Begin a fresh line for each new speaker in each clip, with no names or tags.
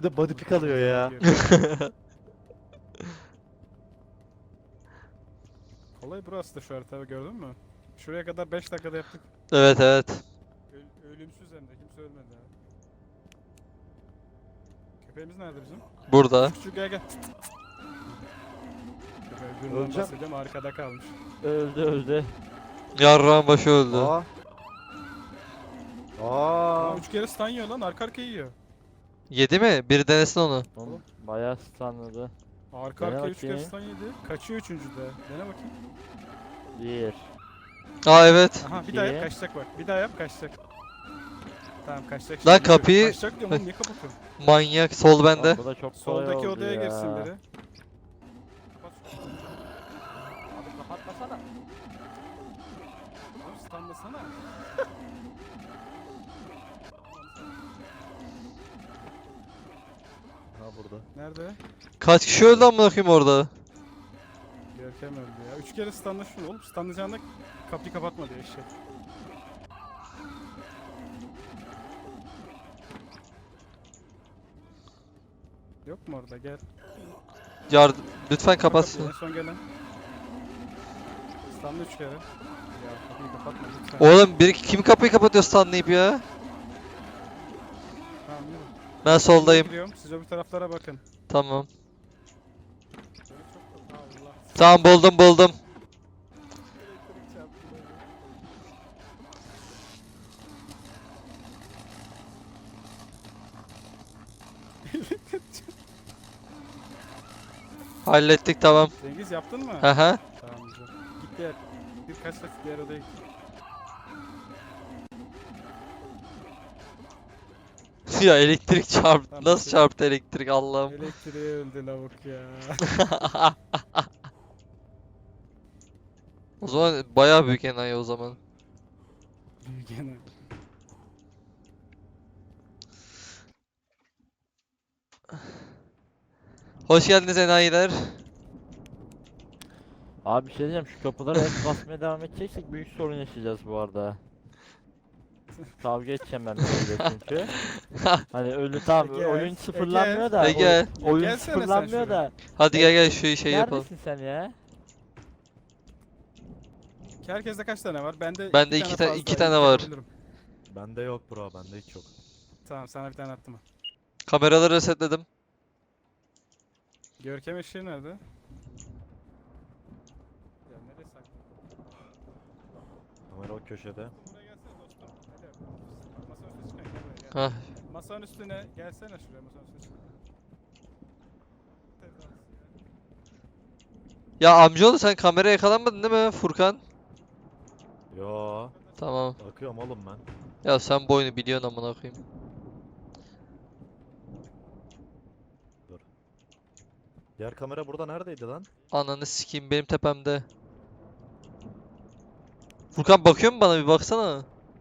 de body pick alıyor ya.
Kolay burası da şu haritada gördün mü? Şuraya kadar 5 dakikada yaptık.
Evet evet.
Ölümsüz hem de kimse ölmedi ha. Köpeğimiz nerede bizim?
Burada.
Küçük gel gel. Köpeği öbüründen
Öleceğim.
bahsediyorum arkada kalmış.
Öldü.
Yarrağın başı öldü.
Aa. Aa.
Aa, 3 kere stun yiyor lan arka arkaya yiyor.
Yedi mi? Biri denesin onu.
Oğlum bayağı stunladı.
Arka
Dene
arkaya 3 kere
bakayım.
stun yedi. Kaçıyor üçüncüde. Dene bakayım.
1.
Aa evet.
Aha bir daha yap
İki.
kaçacak bak. Bir daha yap kaçacak. Tamam kaçacak.
Lan
şimdi.
kapıyı-
Kaçacak diyorum oğlum niye kapatıyorsun?
Manyak. Sol bende.
Bu da çok kolay
Soldaki
oldu
odaya
ya.
girsin biri. Kapat.
Abi kapatmasana.
Oğlum stunlasana.
Ha burada.
Nerede?
Kaç kişi öldü amına koyayım orada?
Görkem öldü ya. 3 kere stunla şunu oğlum. Stunlayacağında kapıyı kapatma diyor eşek. Yok mu orada gel.
Lütfen kapat
Kapıyı,
şunu.
en son gelen. Stunla 3 kere. Ya kapıyı kapatma lütfen.
Oğlum kim kapıyı kapatıyor stunlayıp ya?
Tamam yürü.
Ben soldayım.
Gidiyorum. Siz öbür taraflara bakın.
Tamam.
Böyle çok da Allah.
Tamam buldum.
Elektrik çarptı böyle.
Hallettik tamam.
Cengiz yaptın mı?
Haha.
Tamam güzel. Git diğer. Birkaç saat diğer odaya git.
Ya elektrik çarptı.
Tamam,
Nasıl
okey.
çarptı elektrik Allah'ım.
Elektriğe öldü lavuk ya.
O zaman bayağı büyük enayi o zaman.
Gene.
Hoş geldiniz enayiler.
Abi bir şey diyeceğim, şu kapılara el basmaya devam edeceksek büyük sorun yaşayacağız bu arada. Kavga edeceğim ben böyle çünkü. Hani ölü tam
Ege,
oyun sıfırlanmıyor da.
Ege.
Oyun
Gelsene sen
sıfırlanmıyor
şuraya.
da.
Hadi gel şu şey yapalım.
Neredesin sen ya?
Herkeste kaç tane var? Bende
Bende
iki
iki
tane
ta-
fazla,
iki tane var.
yapabilirim.
Bende yok bro, bende hiç yok.
Tamam sana bir tane attım.
Kameraları resetledim.
Görkem eşeği nerede? Ya nereye saklı?
Kamera o köşede.
Buraya gelsene dostum. Hadi. Masanın üstüne çıkan gel buraya gel.
Hah.
Masanın üstüne gelsene şuraya masanın üstüne çık.
Ya amcaoğlu sen kameraya yakalanmadın değil mi Furkan?
Yo,
Tamam.
bakıyorum oğlum ben.
Ya sen bu oyunu biliyorsun amına koyayım.
Diğer kamera burada neredeydi lan?
Ananı sikeyim benim tepemde. Furkan bakıyor mu bana bir baksana.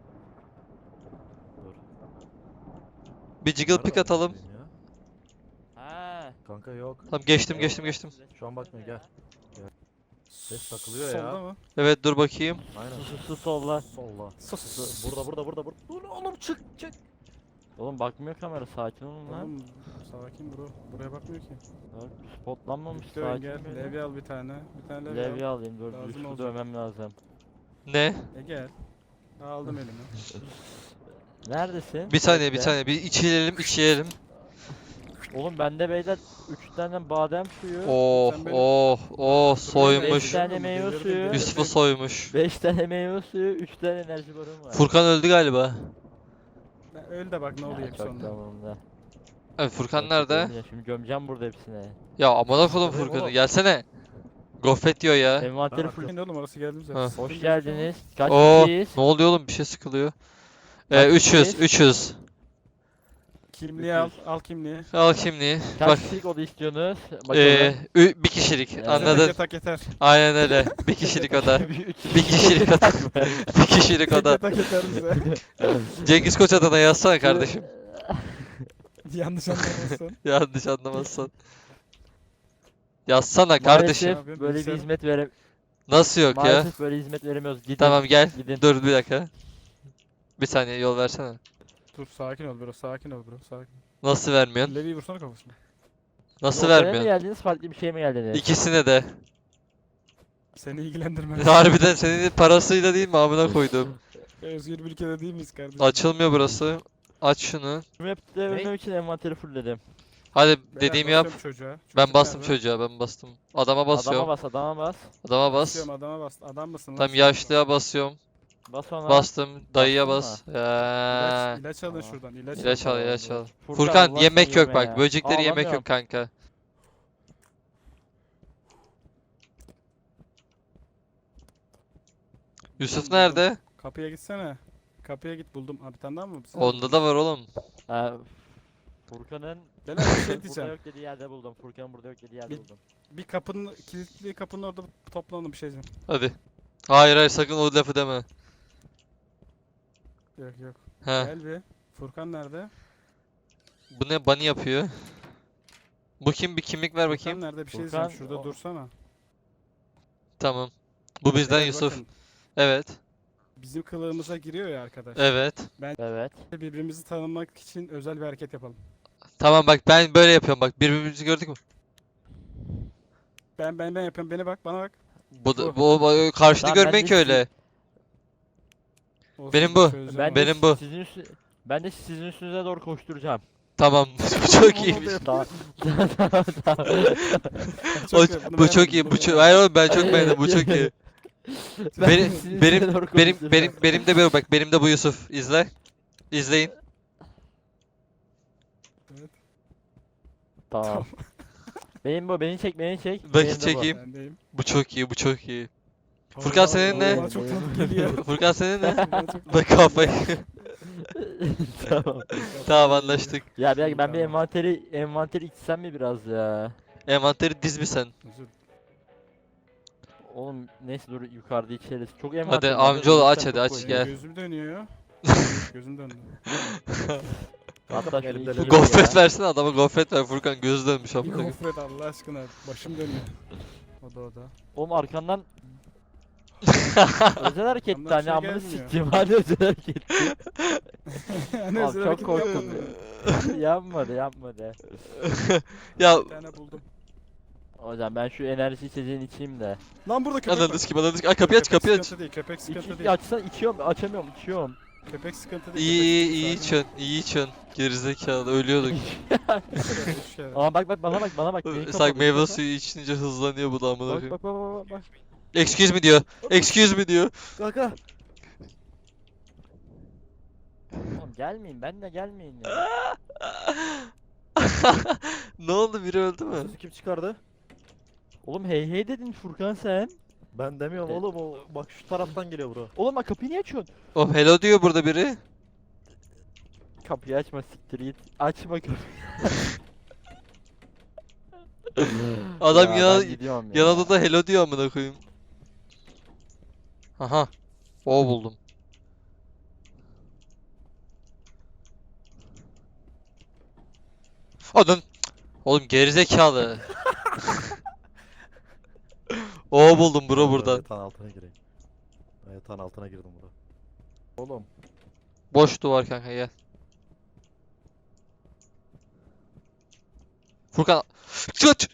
Dur.
Bir jiggle pick
Nerede
atalım.
bakayım ya?
Ha.
Kanka yok.
Tamam geçtim.
Şu an bakmıyor, gel. Ses takılıyor
Solda
ya.
mı?
Evet dur bakayım.
Aynen.
Su solla.
Solla.
Sus.
Burada. Dur oğlum, çık.
Oğlum bakmıyor kamera, sakin olun lan.
Oğlum sakin bro. Buraya bakmıyor ki.
Bak, spotlanmamış,
Victor
sakin
gel.
böyle.
Levye al bir tane. Bir tane levye
Levye
al.
alayım, dur
Lazım
Yusuf'u
olacak.
dövmem lazım.
Ne?
Gel. Aldım elime.
Neredesin?
Bir saniye
Bekle.
bir içilelim.
Oğlum bende beyler 3 tane badem suyu.
Oh
Sen beni-
oh
Beş
soymuş.
tane meyve suyu.
Yusuf'u soymuş.
5 tane meyve suyu, 3 tane enerji barım var.
Furkan öldü galiba.
Öl de bak ne oluyor hep
Çok
sonunda.
tamamında.
Evet Furkan
Çok
nerede?
kötü. Şimdi gömeceğim burada hepsine.
Ya amına koydum
Nerede
Furkan'ı
oğlum?
gelsene. Gofret diyor ya.
Envanteri
Ben
full.
Bakın oğlum orası geldim
Ha.
zaten.
Hoş geldiniz. Kaç
Oo
kişiyiz?
ne oluyor oğlum bir şey sıkılıyor.
Kaç
300
kişiyiz?
300.
Kimliği al. Al kimliği.
Al kimliği.
Kaç
Bak
kişilik oda istiyorsunuz? Bakalım.
bir kişilik
Evet.
anladın.
Yatak yeter.
Aynen öyle. Bir kişilik oda. Bir kişilik oda. Bir kişilik oda.
Yatak yeter bize.
Cengiz Koç adına yazsana kardeşim.
Yanlış anlamazsın.
Yanlış anlamazsan. Yazsana kardeşim.
Maalesef böyle bir hizmet
Nasıl yok ya?
Maalesef böyle hizmet veremiyoruz. Gidin.
Tamam gel.
Gidin.
Dur bir dakika. Bir saniye yol versene.
Dur sakin ol bro. Sakin ol bro. Sakin.
Nasıl vermiyorsun?
Levi'yi vursana kafasına.
Nasıl
Ortaya mı
vermiyorsun?
geldiniz, farklı bir şey mi geldiniz?
İkisine de.
Seni ilgilendirmez.
Harbiden senin parasıyla değil mi amına koydum.
Özgür bir ülkede değil miyiz kardeşim?
Açılmıyor burası. Aç şunu.
Bu map'te ölmem için envanteri fullledim.
Hadi
Beyler,
dediğimi yap.
basıyorum çocuğa.
Ben
Çocuk
bastım
nerede?
çocuğa, ben bastım. Adama
Adama
basıyorum.
bas, adama bas.
Adama bas.
Basıyorum adama bas. Adam mısın lan?
Tam
sen?
yaşlıya basıyorum.
Bas ona.
Bastım. Dayıya
Bastın
bas.
İlaç, ilaç alın
Tamam.
şuradan. İlaç,
İlaç
alın.
al, ilaç al.
Furkan,
Furkan
Allah
yemek
seni
yok
yeme
bak.
ya.
Böcekleri yemek
Ağlamıyorum.
yok kanka. Yusuf
Buldum.
nerede?
Kapıya gitsene. Kapıya git buldum. Abi bir tane daha mı? Sen
Onda da var oğlum.
Furkan'ın
Beyler bir şey
burada
diyeceğim.
yok dediği yerde buldum. Furkan'ın burada yok dediği yerde
Bir-
buldum.
Bir kapının, kilitli kapının orada toplanalım bir şey diyeceğim.
Hadi. Hayır hayır sakın o lafı deme.
Yok yok.
He.
Gel bir. Furkan nerede?
Bu ne bunny yapıyor? Bu kim? Bir kimlik ver bakayım.
Furkan nerede? Bir şey
Furkan,
diyeceğim. Şurada
o-
dursana.
Tamam. Bu bizden
Beyler
Yusuf.
bakın,
Evet.
bizim kılığımıza giriyor ya arkadaş.
Evet.
Evet.
Birbirimizi tanımak için özel bir hareket yapalım.
Tamam bak ben böyle yapıyorum bak. Birbirimizi gördük mü?
Ben yapıyorum. Beni bak, bana bak.
Bu karşını
Tamam, ben
görmeyin
de
ki öyle.
Olsun,
Benim bu.
çözeceğim
Ben
onu.
de
Benim bu.
ben de sizin üstünüze doğru koşturacağım.
Tamam. Bu çok iyiymiş.
Tamam. Tamam, tamam.
O,
iyi, bunu
bu çok
beğenmedim,
iyi.
bunu
Bu çok.
beğenmedim.
Hayır oğlum ben çok beğendim. Bu çok iyi.
Ben
Benim
sizin
benim
üstüne doğru
benim
koşturacağım.
benim de bu bak. Benim de bu Yusuf. İzle. İzleyin.
Tamam. Benim bu, beni çek, beni çek.
Bakın
Benim de bu.
çekeyim.
Bendeyim.
Bu çok iyi. Bu çok iyi. Furkan senin ne?
Bana çok tatlı geliyor.
Furkan senin ne?
Bana çok
Bak kafayı.
Tamam.
Tamam anlaştık.
Ya bir dakika, ben bir
Tamam.
envanteri içsem mi biraz ya?
Envanteri diz bir sen.
Özür.
Oğlum neyse dur yukarıda içeriz. Çok
Hadi
envanter var,
amcaoğlu
dur,
aç
içsem
hadi aç
çok koyayım.
gel.
Gözüm dönüyor. Gözüm döndü.
Hatta şöyle
Elimde
içeyim
Gofret
ya.
versene adama gofret ver Furkan gözü dönmüş
Bir
amına koyayım.
gofret Allah aşkına. Başım dönüyor. O da.
Oğlum arkandan özel hareketti
Yandan bir
hani
şey
amını
gelmiyor.
sikeyim hadi özel hareketti.
Yani
Abi
özel
çok
hareket
korktum.
yapmadım.
Yapmadı.
Ya
Bir tane buldum.
Hocam ben şu enerji içeceğini içeyim de.
Lan burada köpek var.
ananı sikim ananı sikim. Ay kapıyı aç
Köpek
kapıyı aç.
sıkıntı değil. Köpek sıkıntı
İç,
değil.
açsan içiyorum, açamıyorum, içiyorum.
Köpek sıkıntı değil.
İyi iyi iyi
köpek sıkıntı
içiyorsun iyi içiyorsun. Gerizekalı ölüyorduk.
değil. Üç kere.
Ama bak bana bak. Neyi
Sanki
kapalı,
meyve
bak,
suyu içince hızlanıyor bu da amına
Bak
koyayım.
bak.
Excuse me diyor. Excuse me diyor.
Kanka. Oğlum gelmeyin, benle gelmeyin ya.
Ne oldu biri öldü mü?
Sesi kim çıkardı?
Oğlum hey dedin Furkan sen.
Ben demiyorum oğlum o bak şu taraftan geliyor bura.
Oğlum bak kapıyı niye açıyorsun?
Oh hello diyor burada biri.
Kapıyı açma, siktir git. Açma kapıyı.
Adam
Ya
yana,
ben gidiyorum ya.
yanında da hello diyor amına koyayım. Aha. O buldum. Adam. Oğlum gerizekalı. O buldum bro buradan.
Yatağın altına gireyim. Ben yatağın altına girdim bura. Oğlum.
Boş duvar kanka gel. Furkan. Çıt!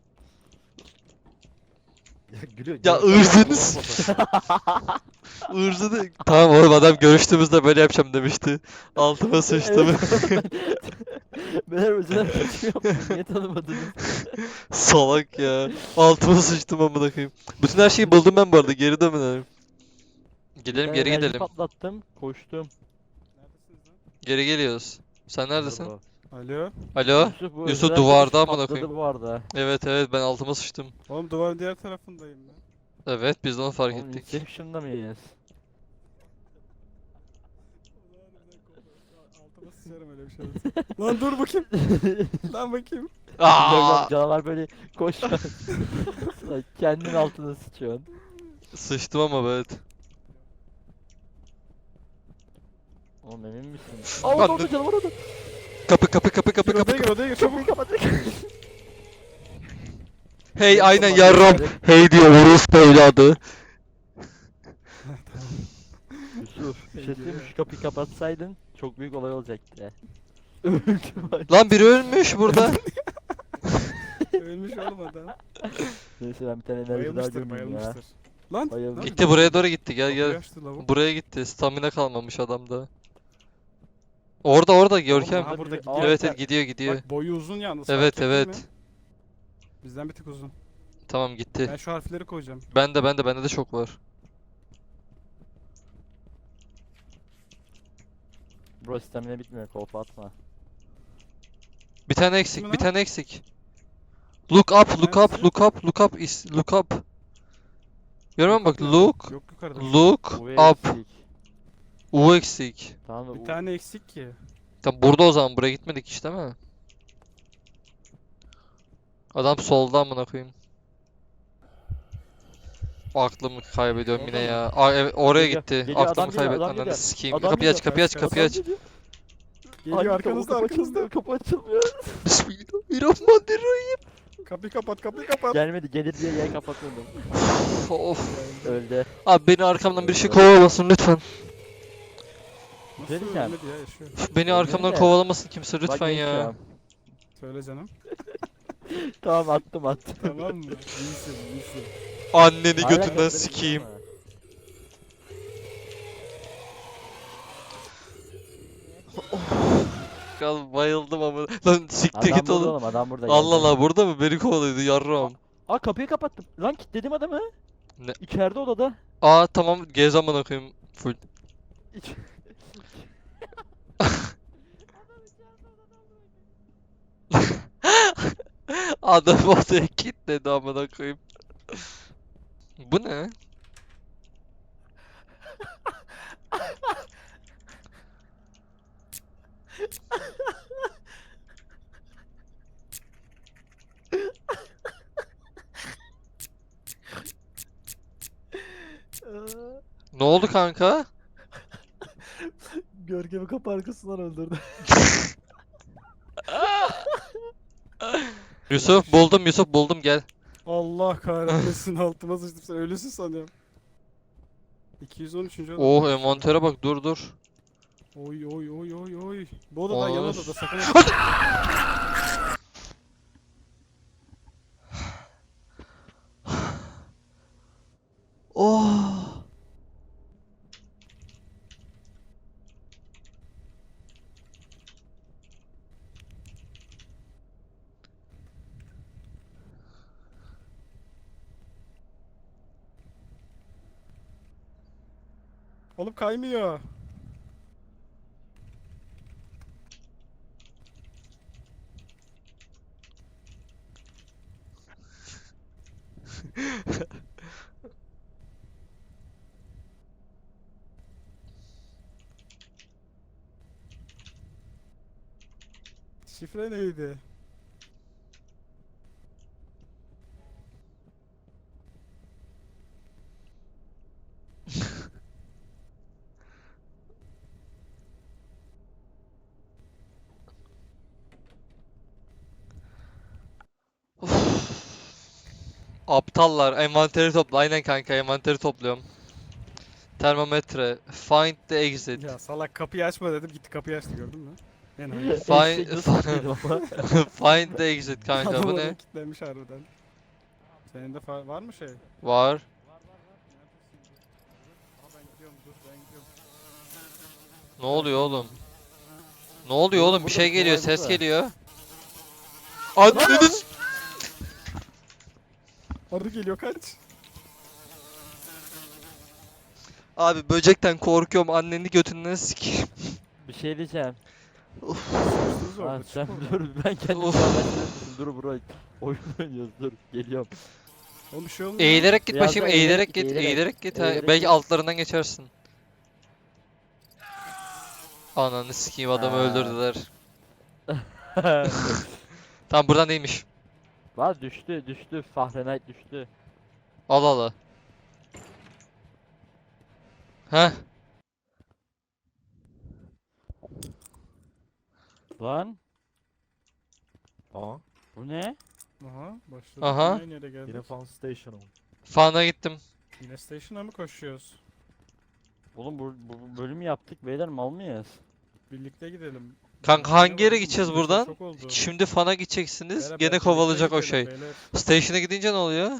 Ya gülüyor.
Ya
gülüyor.
ırzınız. Irzını. Tamam oğlum adam görüştüğümüzde böyle yapacağım demişti. Altıma sıçtım.
Ben özel kaçıyorum. Niye tanımadınız?
Salak ya. Altıma sıçtım amına koyayım. Bütün her şeyi buldum ben bu arada. Geri dönelim. Gidelim
Ben
geri
enerji
gidelim.
patlattım, koştum.
Neredesiniz lan?
Geri geliyoruz. Sen neredesin?
Bura.
Alo.
Alo?
Bu
Yusuf
özel
duvarda
hareket
amına
patladı
koyayım.
bu arada.
Evet evet ben altıma sıçtım.
Oğlum duvarın diğer tarafındayım ben.
Evet biz de onu fark
Oğlum
ettik.
Inception'da mıyız?
Altıma sıçarım öyle bir şey olursa. Lan dur bakayım. Lan bakayım.
Aa!
Canavar böyle koşuyor. Lan kendin altına sıçıyorsun.
Sıçtım ama evet.
Oğlum emin misin?
Lan
Aa orada
dur.
orada canavar orada.
Kapı.
Odaya gir çabuk.
Hey aynen
Tamam,
yarram.
hadi.
Hey diyor orospu evladı.
Yusuf bir şey söyleyeyim mi? Şu kapıyı kapatsaydın çok büyük olay olacaktı.
Lan biri ölmüş burada.
Ölmüş oğlum adam.
Neyse ben bir tane enerji daha
Bayılmıştır
gömeyim ya.
bayılmıştır. Lan.
Bayıldı.
lan,
Gitti buraya doğru gitti. Gel
kapıyı
gel.
açtı lavuk.
Buraya gitti. Stamina kalmamış adamda. Orada Görkem.
aha burada
biri-
gidiyor.
Evet
Aa,
evet gidiyor gidiyor.
Bak boyu uzun yalnız.
Evet
fark ettin mi?
evet.
Bizden bir tık uzun.
Tamam gitti.
Ben şu harfleri koyacağım.
Bende de çok var.
Bro stamina bitmiyor, kolpa atma.
Bir tane
mi
eksik,
lan?
bir tane eksik. Look up, look up,
Hangisi?
look up, look up, look up. Görüyor musun bak,
Nerede?
look,
Yok yukarıda.
look
Uve
up.
eksik.
U eksik.
Tamam da
Bir tane eksik ki.
Tam burada o zaman, buraya gitmedik işte mi? Adam solda amına koyayım. Aklımı kaybediyorum yine
Orada mı?
ya. Aa, evet, oraya
Geliyor,
gitti.
geliyor, adam
Aklımı
geliyor, adam
kaybetmem. Ananı
geliyor.
sikeyim.
Adam
Kapıyı aç,
geliyor,
kapıyı aç,
kaç,
kapıyı
kaç.
aç.
Geliyor
Geliyor arkanızda arkanızda.
Kapı açılmıyor.
Bismillahirrahmanirrahim.
Kapıyı kapat kapıyı kapat.
Gelmedi, gelir diye yer kapatmadım.
Of.
Öldü.
Abi beni arkamdan bir şey kovalamasın lütfen.
Nasıl
Ne diyeceğim?
ölmedi ya yaşıyor.
Beni arkamdan
de.
kovalamasın kimse
Bak
lütfen ya.
geçiyorum.
Söyle canım.
Tamam attım.
Tamam mı? İyisin iyisin.
Anneni
Hala
götünden
kapıları
sikeyim.
gidiyor
Kal bayıldım ama. Lan siktir
ama. Adam
git
burada
oğlum.
oğlum, adam burada.
Allah
geldi.
Allah burada mı? Beni kovalıyordu yarram.
Aa kapıyı kapattım. Lan kilitledim adamı.
Ne?
İçeride odada.
Aa tamam gez amına koyayım full.
İç...
Adam odaya kilitledi amına koyayım. Bu ne? Ne oldu kanka?
Görkem'i kapı arkasından öldürdü.
Yusuf buldum gel.
Allah kahretmesin altıma sıçtım sen ölüsün sanıyorum. 213. adam.
Oh envantere bak dur.
Oy oy oy oy oy. Bu odada yan
Olur.
odada sakın.
Oh.
Oğlum kaymıyor. Şifre neydi?
Aptallar envanteri topla. Aynen kanka envanteri topluyorum. Termometre. Find the exit.
Ya salak kapıyı açma dedim gitti kapıyı açtı gördün mü? En hayır.
Eşek nasıl kilitledim ama.
Find the exit kanka
Adam
bu
oraya
ne?
kilitlenmiş harbiden. Senin de var mı şey?
Var.
Aa ben gidiyorum dur ben gidiyorum.
Ne oluyor oğlum? Ne oluyor oğlum? Bir
burada
şey
bir
geliyor,
olay
ses
burada.
geliyor. Anneniz.
Arı geliyor kaç.
Abi böcekten korkuyorum. Anneni götünden sikeyim.
Bir şey diyeceğim.
Sıkıştınız
Ha
orada
sen
çık oradan.
dur, ben kendim
Of.
sağlaştırmışım. Dur bro. Oyun oynuyoruz, dur. Geliyorum.
Oğlum bir şey olmuyor.
Eğilerek git
Biraz
bakayım,
daha
eğilerek
eğilerek
git,
git, eğilerek.
eğilerek git. Ha,
Eğilerek
belki
git.
altlarından geçersin. Ananı sikeyim adamı
Ha.
öldürdüler. Tamam buradan değilmiş.
Var düştü. Fahrenheit düştü.
Al al. Heh.
Lan
Aa.
bu ne?
Aha başladı.
Aha.
Yine nereye geldik?
Yine Fun Station'a mı?
Fan'a gittim.
Yine station'a mı koşuyoruz?
Oğlum bu bölümü yaptık beyler, mal mıyız?
Birlikte gidelim.
Kanka hangi yere
Oğlum,
gideceğiz
çok
buradan?
oldu.
Şimdi fan'a gideceksiniz.
Beyler,
Gene
belki
kovalayacak
bekleyin
o şey.
beyler.
Station'a gidince ne oluyor?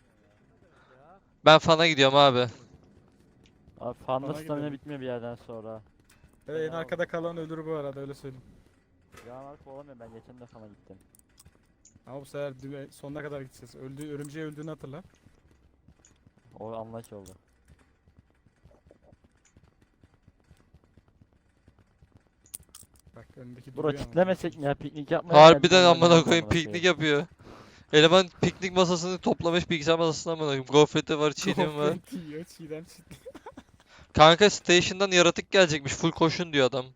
Ben fan'a gidiyorum abi.
Abi fanda
Bana
stamina
gidelim.
bitmiyor bir yerden sonra.
En arkada kalan ölür bu arada, öyle söyleyeyim.
Ya Mark olamıyor, ben geçen de fana gittim.
Ama bu sefer sonuna kadar gideceğiz. Örümceği öldüğünü hatırla.
O anlaş oldu.
Bak önündeki
Bro
duruyor ama.
kitlemesek mi ya, piknik yapmaya
Harbiden
geldik,
amına
oynayalım
koyayım piknik yapıyor. Eleman piknik masasını toplamış bilgisayar masasına amına koyayım. Gofreti var, çiğdem var.
Gofret yiyor, çiğdem çiğdem.
Kanka station'dan yaratık gelecekmiş. Full koşun diyor adam.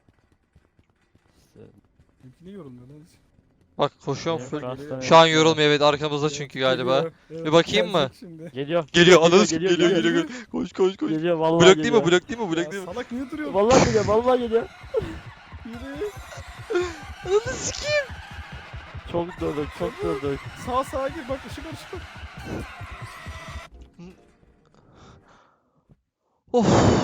İşte,
Niye yorulmuyor lan hiç?
Bak koşuyorum
benim
full.
şu an stamina
Şu an
bitmiyor.
yorulmuyor, evet, arkamızda çünkü galiba.
Geliyor, evet,
Bir bakayım mı?
gelecek şimdi.
Geliyor.
Geliyor ananı
geliyor,
geliyor
geliyor,
geliyor. Koş koş koş.
Geliyor vallahi
Blok değil
geliyor.
mi? Blok değil mi? Blok
Ya
değil mi?
salak niye duruyor?
Vallahi geliyor, vallahi geliyor.
Yürü.
Ananı sikeyim.
Çok durduk, çok durduk.
Sağa gir bak, ışık var.
Of.